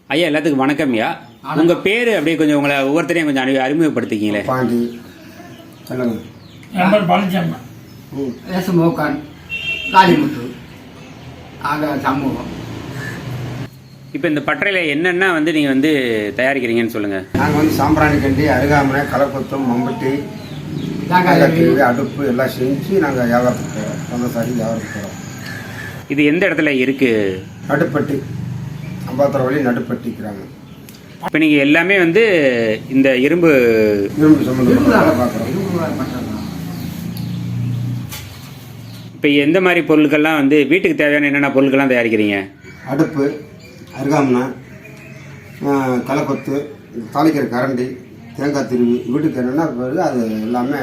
ஐயா எல்லாத்துக்கும் வணக்கம்யா. உங்கள் பேர் அப்படியே கொஞ்சம் உங்களை ஒவ்வொருத்தரையும் கொஞ்சம் அறிமுகப்படுத்திக்கிங்களே. பாண்டி பழனிச்சம்மா, மோக்கான், காளிமுத்து, ஆக சமூகம். இப்போ இந்த பட்டறையில் என்னென்ன நீங்கள் தயாரிக்கிறீங்கன்னு சொல்லுங்கள். நாங்கள் சாம்பிராணி கண்டி, அருகாமனை, கலப்பத்தம், மம்பட்டி, அடுப்பு எல்லாம் செஞ்சு நாங்கள் வியாபாரத்துக்கு போகிறோம். சொந்தசாரி வியாபாரத்துக்கு போகிறோம். இது எந்த இடத்துல இருக்குது? நடுப்பட்டி, அம்பாத்தூர் வழி நடுப்பட்டிக்கிறாங்க. இப்போ நீங்கள் எல்லாமே இந்த இரும்பு சம்மந்தமாக பார்க்குறோம். இப்போ எந்த மாதிரி பொருட்கள்லாம் வீட்டுக்கு தேவையான என்னென்ன பொருட்கள்லாம் தயாரிக்கிறீங்க? அடுப்பு, அருகாமனை, கலப்பத்து, தாளிக்கிற கரண்டி, தேங்காய் திருவி, வீட்டுக்கு என்னென்னா பிறகு அது எல்லாமே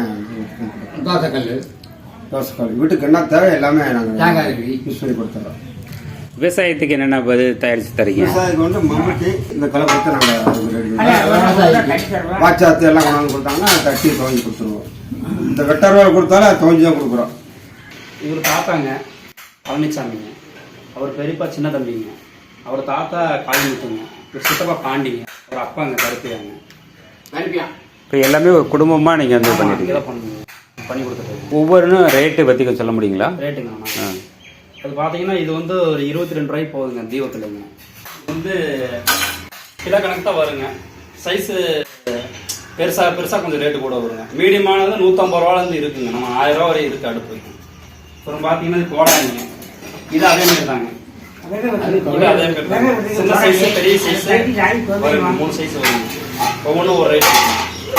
தோசைக்கல் வீட்டுக்கு என்ன தேவை எல்லாமே நாங்கள் யூஸ் பண்ணி கொடுத்துட்றோம். விவசாயத்துக்கு என்னென்ன தயாரித்து தரீங்க? விவசாயிக்கு மம்பட்டி, இந்த கலப்பத்தை நாங்கள் வாச்சாத்து எல்லாம் கொண்டாந்து கொடுத்தாங்கன்னா தட்டி துவஞ்சி கொடுத்துருவோம். இந்த வெட்டரூவா கொடுத்தாலும் அது துவஞ்சி தான் கொடுக்குறோம். இவர் தாத்தாங்க பழனிசாமிங்க, அவர் பெரியப்பா சின்ன தம்பிங்க, அவர் தாத்தா காளிமுத்துங்க, இவர் சித்தப்பா பாண்டிங்க, அவர் அப்பாங்க கருப்பியாங்க. இப்போ எல்லாமே ஒரு குடும்பமாக நீங்கள் பண்ணிட்டு பண்ணி கொடுத்துட்டு ஒவ்வொன்றும் ரேட்டு பற்றி கொஞ்சம் சொல்ல முடியுங்களா? ரேட்டுங்கண்ணா, அது பார்த்தீங்கன்னா இது ஒரு 22 ரூபாய்க்கு போகுதுங்க தீபத்துலங்க. இது கிலோ கணக்கு தான் வருங்க. சைஸு பெருசாக கொஞ்சம் ரேட்டு கூட வருங்க. மீடியமானது 150 ரூபாலேருந்து இருக்குங்க. நம்ம 1000 ரூபா வரை இருக்குது அடுப்பு. அப்புறம் பார்த்தீங்கன்னா இது கோடாங்க, இது அதே மாதிரி தாங்க. இது அதே மாதிரி தாங்க. சின்ன சைஸு பெரிய சைஸு வருங்க, 3 சைஸ் வருங்க. ஒவ்வொன்றும் ஒரு ரேட் இருக்குங்க.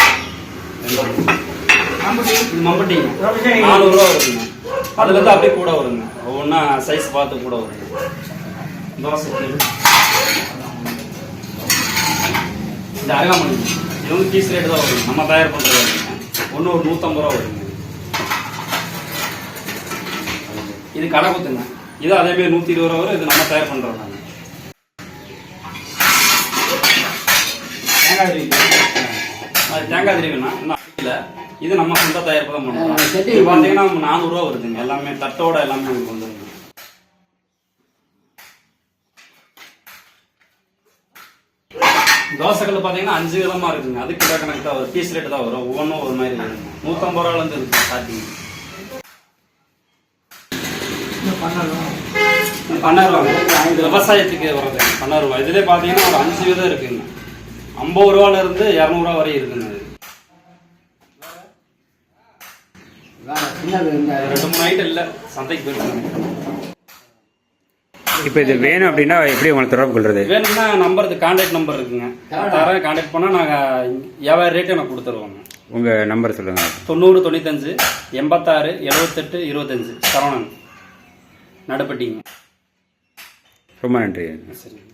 இது மம்பட்டிங்க 400 ரூபா வருங்க. அதுலேருந்து அப்படியே கூட வருங்க, ஒவ்வொன்றா சைஸ் பார்த்து கூட வருங்க. தோசை இந்த அருகாமனை இது பீஸ் ரேட்டு தான் வருங்க. நம்ம தயார் பண்ணுறது ஒன்று ஒரு 150 ரூபா வருங்க. இது கடை குத்துங்க, இது அதேமாரி 120 ரூபா வரும். இது நம்ம தயார் பண்ணுறோம் நாங்கள். தேங்காய் திருவி, அது தேங்காய் திருவினா இன்னும் இல்லை, இது நம்ம சொந்த தயாரிப்பு தான் பண்ணுறோம். இது பார்த்தீங்கன்னா 400 ரூபா வருதுங்க. எல்லாமே தட்டோட எல்லாமே உங்களுக்கு வந்துருங்க. தோசைகள் பார்த்தீங்கன்னா 5 விதமாக இருக்குங்க. அது கிலோ கணக்கு தான் வரும், பீஸ் ரேட்டு தான் வரும். ஒவ்வொன்றும் ஒரு மாதிரி இருக்குங்க. 150 ரூபாலேருந்து இருக்கு ஸ்டார்டிங். பண்ணாருவாங்க, இது விவசாயத்துக்கு வர்றது பண்ணாருவா. இதுலேயே பார்த்தீங்கன்னா ஒரு 5 விதம் இருக்குங்க. 50 ரூபாலேருந்து 200 ரூபா வரை இருக்குங்க. அது 2-3 ஐட்டம் இல்லை, சந்தைக்கு போயிருக்காங்க. இப்போ இது வேணும் அப்படின்னா எப்படி உங்களை தொடர்பு கொள்வது? வேணும்னா நம்பருக்கு கான்டாக்ட் நம்பர் இருக்குங்க, தரேன். கான்டாக்ட் பண்ணால் நாங்கள் வியாபார ரேட்டு எனக்கு கொடுத்துருவோங்க. உங்கள் நம்பர் சொல்லுங்கள். 90 95 86 78 25 சரவணன், நடுப்பட்டிங்க. ரொம்ப நன்றி. சரி.